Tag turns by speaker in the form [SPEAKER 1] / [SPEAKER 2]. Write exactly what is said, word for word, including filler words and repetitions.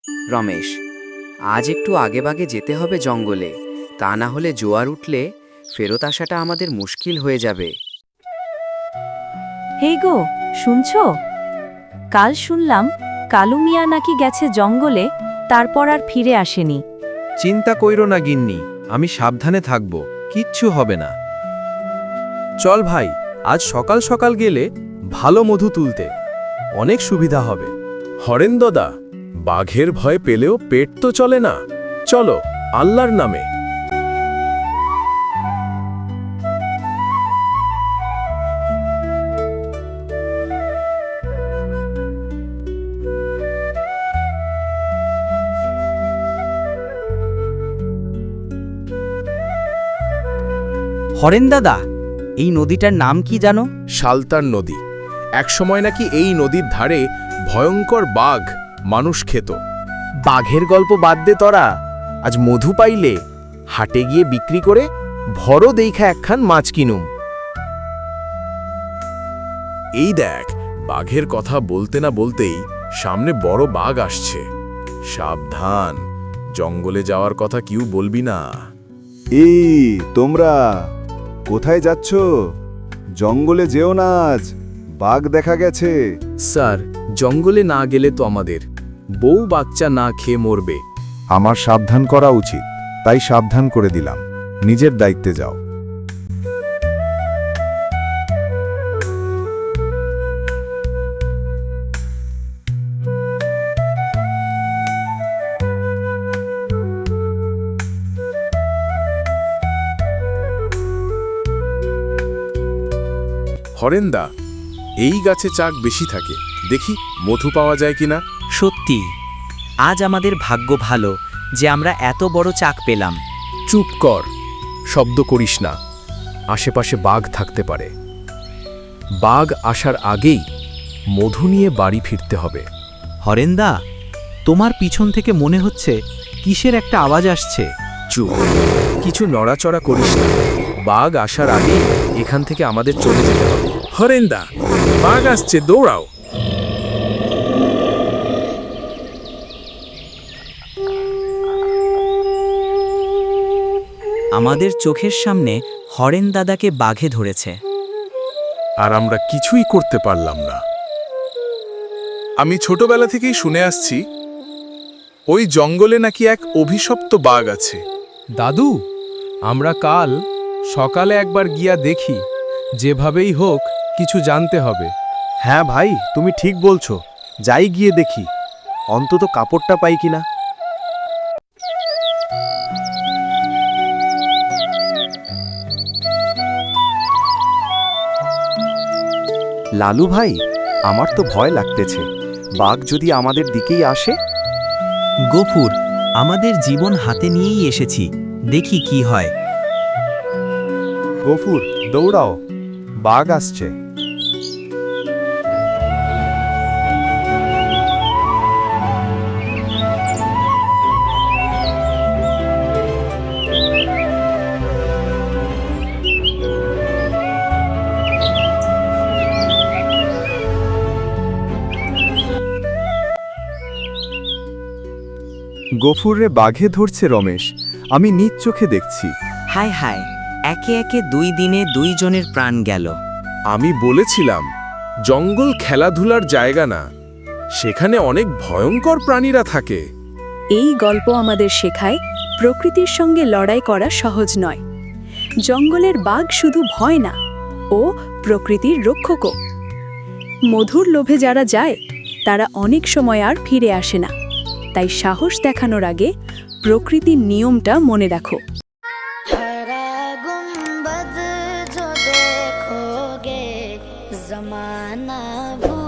[SPEAKER 1] রমেশ, আজ একটু আগেভাগে যেতে হবে জঙ্গলে, তা না হলে জোয়ার উঠলে ফেরত আসাটা আমাদের মুশকিল হয়ে যাবে।
[SPEAKER 2] হেই গো, শুনছো? কাল শুনলাম কালু মিয়া নাকি গেছে জঙ্গলে, তারপর আর ফিরে আসেনি।
[SPEAKER 3] চিন্তা কইরো না গিন্নি, আমি সাবধানে থাকব, কিচ্ছু হবে না। চল ভাই, আজ সকাল সকাল গেলে ভালো মধু তুলতে অনেক সুবিধা হবে।
[SPEAKER 4] হরেন দাদা, বাঘের ভয় পেলেও পেট তো চলে না। চলো, আল্লাহর নামে।
[SPEAKER 5] হরেন দাদা, এই নদীটার নাম কি জানো?
[SPEAKER 4] সালতার নদী। একসময় নাকি এই নদীর ধারে ভয়ঙ্কর বাঘ মানুষ খেত।
[SPEAKER 5] বাঘের গল্প বাদ দে তোরা, আজ মধু পাইলে হাটে গিয়ে বিক্রি করে ভরো দেইখা একখান মাছ কিনুম।
[SPEAKER 4] এই দেখ, বাঘের কথা বলতে না বলতেই সামনে বড় বাঘ আসছে। সাবধান, জঙ্গলে যাওয়ার কথা কেউ বলবি না।
[SPEAKER 6] এই তোমরা কোথায় যাচ্ছ? জঙ্গলে যেও না, আজ বাঘ দেখা গেছে।
[SPEAKER 4] স্যার, জঙ্গলে না গেলে তো আমাদের বউ বাচ্চা না খেয়ে মরবে।
[SPEAKER 6] আমার সাবধান করা উচিত, তাই সাবধান করে দিলাম। নিজের দায়িত্বে যাও।
[SPEAKER 4] হরেন্দা, এই গাছে চাক বেশি থাকে, দেখি মধু পাওয়া যায় কিনা।
[SPEAKER 5] সত্যি, আজ আমাদের ভাগ্য ভালো যে আমরা এত বড় চাক পেলাম।
[SPEAKER 4] চুপ কর, শব্দ করিস না। আশেপাশে বাঘ থাকতে পারে। বাঘ আসার আগেই মধু নিয়ে বাড়ি ফিরতে হবে।
[SPEAKER 5] হরেন্দা, তোমার পিছন থেকে মনে হচ্ছে কিসের একটা আওয়াজ আসছে।
[SPEAKER 4] চুপ, কিছু নড়াচড়া করিস না। বাঘ আসার আগেই এখান থেকে আমাদের চলে যেতে হবে। হরেন্দা, বাঘ আসছে, দৌড়াও।
[SPEAKER 5] আমাদের চোখের সামনে হরেন দাদাকে বাঘে ধরেছে।
[SPEAKER 4] আর আমরা কিছুই করতে পারলাম না। আমি ছোটবেলা থেকেই শুনে আসছি ওই জঙ্গলে নাকি এক অভিশপ্ত বাঘ আছে।
[SPEAKER 3] দাদু, আমরা কাল সকালে একবার গিয়া দেখি, যেভাবেই হোক কিছু জানতে হবে।
[SPEAKER 7] হ্যাঁ ভাই, তুমি ঠিক বলছো, যাই গিয়ে দেখি অন্তত কাপড়টা পাই কিনা।
[SPEAKER 6] লালু ভাই, আমার তো ভয় লাগতেছে। বাঘ যদি আমাদের দিকেই আসে।
[SPEAKER 5] গফুর, আমাদের জীবন হাতে নিয়েই এসেছি, দেখি কি হয়।
[SPEAKER 6] গফুর, দৌড়াও, বাঘ আসছে। গফুররে বাঘে ধরছে রমেশ, আমি নিজ চোখে দেখছি।
[SPEAKER 5] হায় হায়, একে একে দুই দিনে দুইজনের প্রাণ গেল।
[SPEAKER 4] আমি বলেছিলাম জঙ্গল খেলাধুলার জায়গা না, সেখানে অনেক ভয়ঙ্কর প্রাণীরা থাকে।
[SPEAKER 2] এই গল্প আমাদের শেখায় প্রকৃতির সঙ্গে লড়াই করা সহজ নয়। জঙ্গলের বাঘ শুধু ভয় না, ও প্রকৃতির রক্ষকও। মধুর লোভে যারা যায় তারা অনেক সময় আর ফিরে আসে না। তাই সাহস দেখানোর আগে প্রকৃতির নিয়মটা মনে রাখো।
[SPEAKER 8] हरा गुंबद जो देखोगे जमाना